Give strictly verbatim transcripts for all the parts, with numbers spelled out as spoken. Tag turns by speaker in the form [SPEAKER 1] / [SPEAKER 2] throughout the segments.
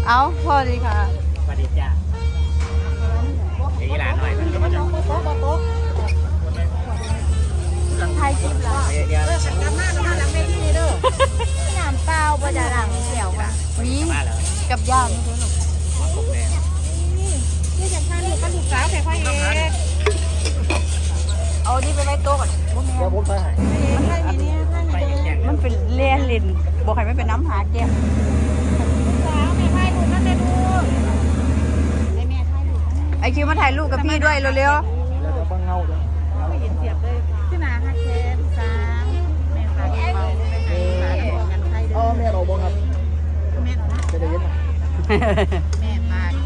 [SPEAKER 1] เอาพอดีค่ะ
[SPEAKER 2] สวัสดีจ้าไอ้หลานหน่อยมันก็มาจาก
[SPEAKER 1] ไทยจิ๊บละ
[SPEAKER 2] เดี๋ยว
[SPEAKER 1] น้ำเปล่าบะจ่าหลังเขียวค่ะมีกับย่างไม่รู้หรอกนี่จะทานลูกกับลูกสาวแค่พ่อเองเอานี่ไปไว้โต๊ะก่อนเดี๋ยวผมไปให้มันเป็นเล่นลินบอกให้ไม่เป็นน้ำหาแก้วไอคิวมาถ่ายรูปกับพี่ด้วยเร็วๆฟังเงาเลยไม่เห็นเสียบเลยขึ้นหนาฮักแคนสามแม่ฝากเมาแม่ฝากกันไทยเด้อแม่เราบ่ครับแม่จะได้ยินแม่ฝาก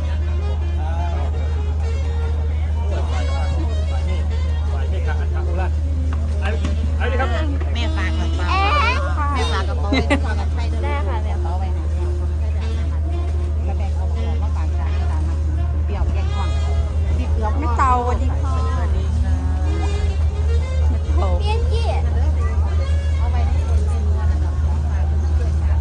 [SPEAKER 2] ไอ้นี่ครับ
[SPEAKER 1] แม่ฝากกระเป๋าแม่ฝากกระเป๋าไปฝากกันไทยได้ค่ะแม่เป๋าไปไหนแล้วแบ่งเอาของมาฝากกันที่ร้านเปรี้ยวแกงอ่อนดิบเกลือไม่เตาวันนี้ค่ะเปี้ยนกี้เอาไปให้คนเป็นเงินแบบของฝากเพื่อนๆค่ะ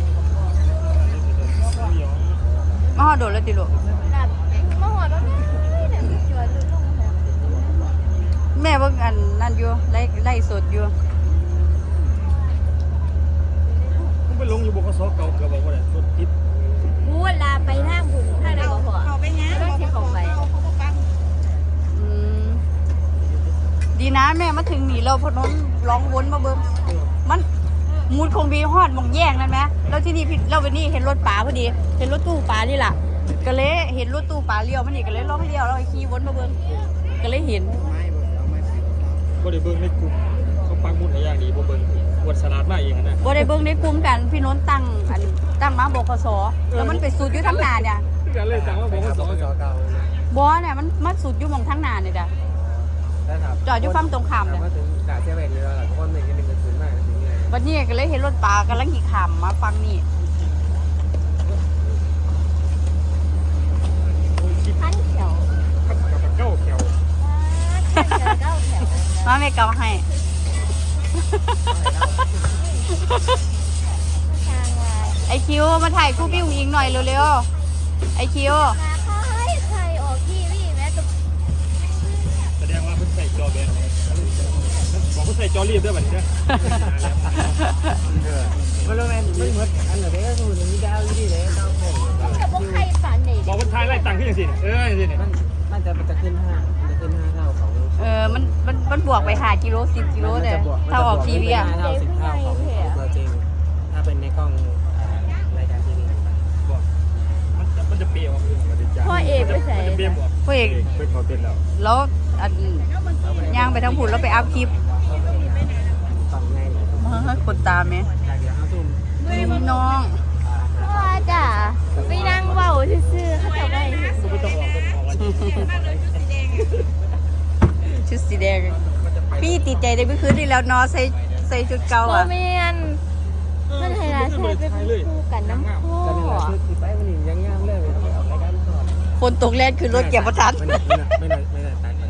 [SPEAKER 1] มาหอดโดดแล้วติลูกมาหอดแล้วนี่เนี่ยจวนลงแม่เบิ่งอันนั่นอยู่ไล่ไล่สดอยู่
[SPEAKER 2] ผมไปลงอยู่บกสเก่าเกือบบอกว่าอะไรรถติด
[SPEAKER 1] พูดลาไปทางบุญทางไหนก็พอเขาไปนะต้องที่เขาไปดีนะแม่มาถึงนี่เราพนมร้องวนมาเบิ้งมันมูดคงบีฮอดมองแย่งนั่นไหมแล้วที่นี่เราไปนี่เห็นรถป๋าพอดีเห็นรถตู้ป๋านี่แหละก็เลยเห็นรถตู้ป๋าเลี้ยวมันนี่ก็เลยร้องเลี้ยวเราขี่วนมาเบิ้งก็เลยเห็น
[SPEAKER 2] บ่ได้เบิ้งในกลุ่มเขาปังมุดอะไรอย่างดีบ่เบิ้งวดสลัดมาเองนะ
[SPEAKER 1] บ่ได้เบิ้งในกลุ่มกันพี่น้นตั้งอันตั้งมาบกสแล้วมันไปสุดอยู่ทั้งนาเนี่ย
[SPEAKER 2] กันเลยตั้งว่าบกสเก่า
[SPEAKER 1] บอเนี่ยมันมันสุดอยู่มองทั้งนาเนี่ยจ้ะจอดอยู่ฝั่งตรงข้ามเนี่ย
[SPEAKER 2] ด่าเจ้าแม่นี่แล้วล่ะเพราะว่ามันยังเป็นกระสุนมากถึงไง
[SPEAKER 1] วันนี้ก็เลยเห็นรถปลากำลังขี่ขามมาฟังนี่ขั้นเขียว
[SPEAKER 2] เก้าเขียว
[SPEAKER 1] มาไม่เกาให้ไอคิวมาถ่ายคู่พี่อุ๋งอิงหน่อยเร็วๆไอคิว
[SPEAKER 2] แสดงว่าเพิ่งใส่จอแบนบอกเพิ่งใส่จอรีบด้วยแบบนี้มันรู้ไหมไม่เหมือนอันไหนก็สูตรนี้ดาวที่ไหนดาวแข็ง
[SPEAKER 1] กับพวกใครฝันเนี่ย
[SPEAKER 2] บอกว่าทายไล่ตังค์ขึ้นอย่างสิเอออย่างสิเนี่ย
[SPEAKER 3] มันมันจะมันจะขึ้นห้ามันจะขึ้นห้าเท่าของ
[SPEAKER 1] เออมันมันมันบวกไปหากิโลสิบกิโลเลยถ้าออกทีวีอ่ะ
[SPEAKER 3] ห้าเท่าสิบเท่าของตัวจริงถ้าเป็นในกล้องรายการทีวี
[SPEAKER 2] บอกมันจะมันจะเปรี้ยว
[SPEAKER 1] พ่อเอกไปใส่พ่อเอก
[SPEAKER 2] เป็นเขาเป็นแล้ว
[SPEAKER 1] แล้วอันย่างไปทั้งผุนแล้วไปอัพคลิป
[SPEAKER 3] ฟังง่ายเลย
[SPEAKER 1] มาคนตามไหมน้องพ่อจ้ะไปนั่งเบาซื่อๆเขาจะไปชุดสีแดงพี่ติดใจได้เมื่อคืนที่แล้วนอนใส่ใส่ชุดเก่าอ่ะโมเมนมันไฮไลท์ใส่เป็นคู่กันน้ำพ่อ
[SPEAKER 3] กันนี่แหละคือคือไปมันยังงามเลยเอารายการก่อน
[SPEAKER 1] ฝนตกแรงคือรถเก็บประทัด
[SPEAKER 3] ไม่ได้ไม่ได้ไม่ได้ตัดกัน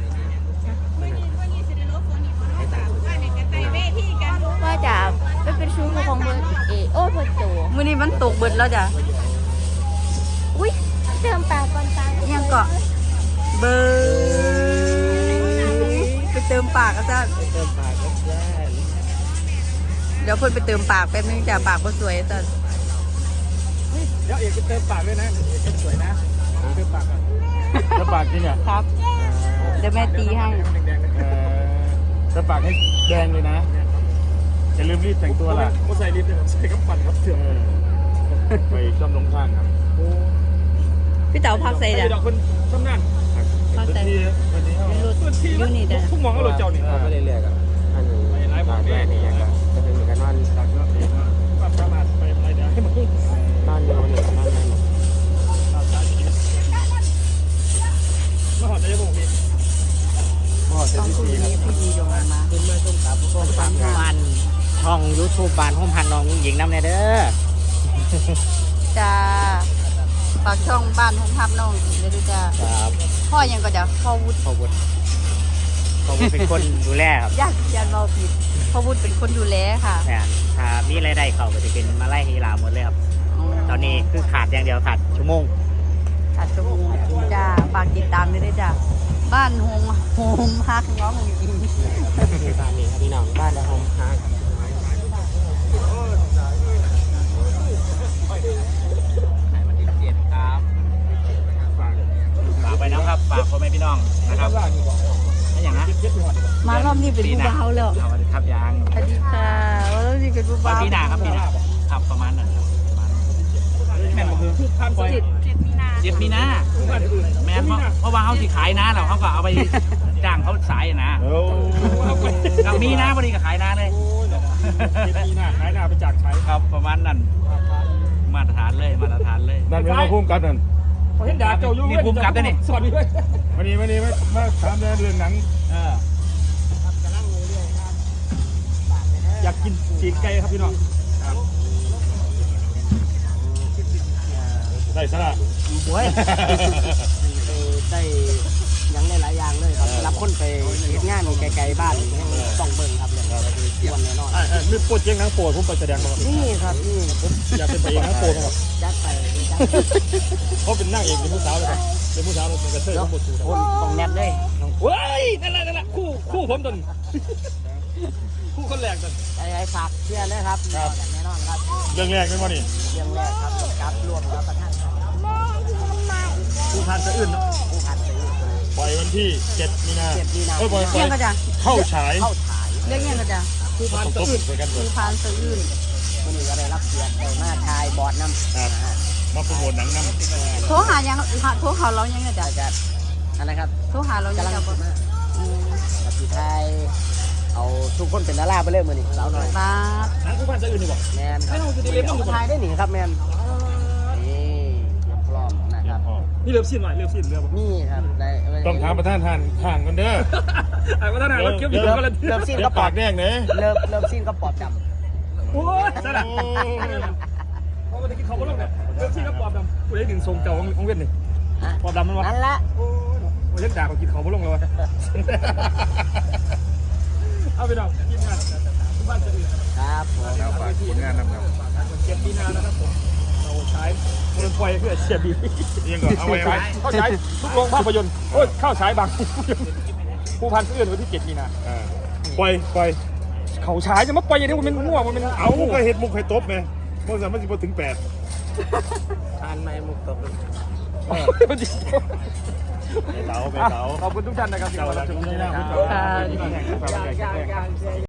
[SPEAKER 1] ว่าจะไม่เป็นชู้ของเบอร์เอโอ้พอโจมื่อนี้มันตกเบิดแล้วจ้ะอุ้ยเติมปากก่อนตายังเกาะเบอร์ไปเติมปากอาจารย์
[SPEAKER 3] ไปเติมปากก็ได้
[SPEAKER 1] เดี๋ยวเพิ่นไปเติมปากแป๊บนึงจ้ะปากก็สวยอาจารย์
[SPEAKER 2] เดี๋ยวเอกไปเติมปากด้วยนะเอกสวยนะเติมปากก่อนเติมปากจริงเหรอ
[SPEAKER 1] ครับเดี๋ยวแม่ตีให้
[SPEAKER 2] เติมปากให้แดงเลยนะอย่าลืมรีบแต่งตัวล่ะก็ใส่รีบเลยใส่กระปั่นครับเถื่อนไปช่อมลงข้างครับ
[SPEAKER 1] พี่เต๋าพักใส่เด้อ
[SPEAKER 2] ดอกคนช่อมนั่น
[SPEAKER 1] พักใส่
[SPEAKER 2] วันนี้
[SPEAKER 1] ยูนี่เด้อ
[SPEAKER 2] ทุกมองก็รถเจ้านี่
[SPEAKER 3] ก็เรื่อยๆกับอันนี้บางแม่นี่ก็จะเป็นเหมือนกันนอน
[SPEAKER 2] ความสามารถไปอะไรเดี๋ยวให้มัน
[SPEAKER 3] นอนอยู่นี่นอนนั่น
[SPEAKER 2] มาหอดใจบุกนี่
[SPEAKER 3] พ่อเซนซีครับ
[SPEAKER 1] พี่ดีลงมา
[SPEAKER 3] ขึ้นมาต้มตับต้มตับ
[SPEAKER 2] มันช่องยูทูบบานห้องพันน้องหญิงน้ำในเด้อ
[SPEAKER 1] จ้าฝากช่องบ้านห้องพับน้องเดี๋ยวดูจ้าพ่อยังก็จะพ่อวุฒิ
[SPEAKER 2] พ่อวุฒิพ่อวุฒิเป็นคนดูแลครับ
[SPEAKER 1] ยากยากเราผิดพ่อวุฒิเป็นคนดูแลค่ะ
[SPEAKER 2] ถ้ามีรายได้เขาก็จะเป็นมาไล่ฮีราหมดเลยครับ
[SPEAKER 4] ตอนนี้คือขาดอย่างเดียวขาดชั่วโมง
[SPEAKER 1] อาจจะมูจ้าฝากติดตามด้วยด้วยจ้าบ้านโฮมโฮมฮักน้องหงอิง
[SPEAKER 3] คือบ้านนี้ครับพี่น้องบ้านและโฮมฮาร์ด
[SPEAKER 4] ฝากไปนะครับฝากพ่อแม่พี่น้องนะครับไม่อย่างนะ
[SPEAKER 1] มารอบนี้เป็นผู้บ่าวแล้ว
[SPEAKER 4] สวัสดีครับยาง
[SPEAKER 1] สวัสดีค่ะว่ารอบนี้เป็นผู้บ่าว
[SPEAKER 4] ปีหน้าครับปีหน้าครับประมาณนั้นครับประมาณแม่นบ่คือ
[SPEAKER 1] เจ็ดเจ็ดมีนา
[SPEAKER 4] เจ็ดมีนาแม่นเพราะเพราะว่าเขาสิขายนะเราเขาก็เอาไปจ้างเขาสายนะ
[SPEAKER 2] โอ้
[SPEAKER 4] กับมีนะพอดีก็ขายนะเลย
[SPEAKER 2] มีหน้าขายหน้าไปจากใช้
[SPEAKER 4] ครับประมาณนั้นมาตรฐานเลยมาตรฐานเลย
[SPEAKER 2] นั่นเป็นมาพุ่มกันนั่น
[SPEAKER 4] เห็นดาบเจ้าอยู่นี่ภูมิกับด้วยนี่
[SPEAKER 2] สวัสดีด้วยวันนี้วันนี้มามาถามเรื่องหนัง
[SPEAKER 4] เออ
[SPEAKER 2] อยากกินจีนไก่ครับพี่น้องได้สละ
[SPEAKER 3] โอ้ยได้ยังได้หลายอย่างเลยครับรับคนไปเฮ็ดงานไกลๆบ้านต้องเบิ่งครับเลยวันแน่นอน
[SPEAKER 2] อ่ามีโปรเจกต์หนังโปรดผมไปแสดงมาครับ
[SPEAKER 3] นี่ครับนี่
[SPEAKER 2] ผมอยากเป็นไปเองหนังโปรดครับ
[SPEAKER 3] ยัดไปยัด
[SPEAKER 2] เขาเป็นนั่งเอกเป็นผู้สาวเลยครับเป็นผู้สาวเป็นกระเทยทั้งหมดสู
[SPEAKER 3] คนต้องแนบเลย
[SPEAKER 2] เว้ยนั่นแหละนั่นแหละคู่คู่ผมตนคู่คนแรกตน
[SPEAKER 3] ไอ้ฝากเชื่อเลยครับแน่นอนครับ
[SPEAKER 2] เรื่องแรกเป็นว่านี่
[SPEAKER 3] เรื่องแรกครับกับรวมรับประทานครับ
[SPEAKER 2] ผู้พันสะอื้นเนาะ
[SPEAKER 3] ผู้พันไป
[SPEAKER 2] ปล่อยวันที่เจ็ดมีนา
[SPEAKER 3] เจ็ดมีนา
[SPEAKER 2] เอ้ยปล่อยปล่
[SPEAKER 1] เรี
[SPEAKER 2] อย ย
[SPEAKER 1] กก็จ้า
[SPEAKER 2] เข้าฉาย
[SPEAKER 3] เข้าฉาย
[SPEAKER 1] เรียกยังก็จ้า
[SPEAKER 2] ผู้พันสะอื้นไปกันเล
[SPEAKER 1] ภู
[SPEAKER 2] ย
[SPEAKER 1] พานสะอื้น
[SPEAKER 3] วันนี้ก็ได้รับเกียรติได้มาทายบอร์ดน้ำ
[SPEAKER 2] ครับมาโปรโมทหนังนำ
[SPEAKER 1] โทรหายังโทรหาเรายังไงจ้า
[SPEAKER 3] อาจารย์อันนะครับ
[SPEAKER 1] โทรหาเรายัง
[SPEAKER 3] กำลัง
[SPEAKER 1] จ้า
[SPEAKER 3] คิดมากับพี่ไทยเอาทุกคนเป็นดาราไปเลยมือนี่สาวหน่อย
[SPEAKER 1] บ้า
[SPEAKER 2] หนังผู้พันสะอื้นดีกว่า
[SPEAKER 3] แมนครับเอาไทยได้หนิครับแมนนี่เตรียมพร้อมนะครับ
[SPEAKER 2] นี่เริ่มสิ้นหน่อยเริ่มสิ้นเริ่ม
[SPEAKER 3] นี่ครับได้
[SPEAKER 2] ต้องถามประธานทานห่างกันเด้อ
[SPEAKER 5] ไอ้ว่าท่านอ่านรถเกี่ยวกับ
[SPEAKER 3] เริ่ม
[SPEAKER 5] กันเลย
[SPEAKER 3] เริ่มสิ้น
[SPEAKER 2] เดี๋ย
[SPEAKER 3] ก็
[SPEAKER 2] ว
[SPEAKER 3] ปอ
[SPEAKER 2] ปา
[SPEAKER 3] ด
[SPEAKER 2] กแดงเนี่ย
[SPEAKER 3] เริ่มเริ่มสิ้นก็ปอดด
[SPEAKER 5] โอ้ยสนะเพราะว่าตะกี้เขาก็เริ่มแบบเริ่มที่ก็ปอบดำกูได้ถึงทรงเก่าของเวียนนี่
[SPEAKER 3] ำฮะ
[SPEAKER 5] ปอบดำมันวะ
[SPEAKER 3] นั่นละ
[SPEAKER 5] โอ้ยว่าเล่นด่าเขากินเขาบ่ลงเลยวะเอาไปดอกกินงานทุกบ้านจะอื่น
[SPEAKER 3] ครับผม
[SPEAKER 2] แล้วฝากผลงานนำครับ
[SPEAKER 5] เจ็ดปีนานะครับผมเราใช้มันไฟเพื่อเสียบี
[SPEAKER 2] ยังก่อนเอาไว้ไว้
[SPEAKER 5] เข้าใช้ทุกโรงภาพยนตร์โอ้ยเข้าใช้บางผู้พันเอื่อนวันที่เจ็ดมีนา
[SPEAKER 2] อ่าปล่อยปล่อย
[SPEAKER 5] เขาใช้จะมาปล่อยอย่างนี้มันเป็นง่วงมันเป็น
[SPEAKER 2] เอาก็เห็ดมุกไข่ตบไงเมื่อสามมันสิบถึงแปด
[SPEAKER 3] ทานไม้มุกตบ
[SPEAKER 5] มันดี
[SPEAKER 2] ไปเต๋าไปเต๋า
[SPEAKER 5] ขอบคุณทุกท่านนะครับที่
[SPEAKER 2] เต๋า
[SPEAKER 5] มา
[SPEAKER 2] แล้
[SPEAKER 5] รั
[SPEAKER 2] ว
[SPEAKER 5] บช
[SPEAKER 2] จุ๊
[SPEAKER 5] ม
[SPEAKER 2] บนี่นะ
[SPEAKER 5] นะ
[SPEAKER 2] พี่
[SPEAKER 5] ค
[SPEAKER 2] เต๋า
[SPEAKER 5] รับ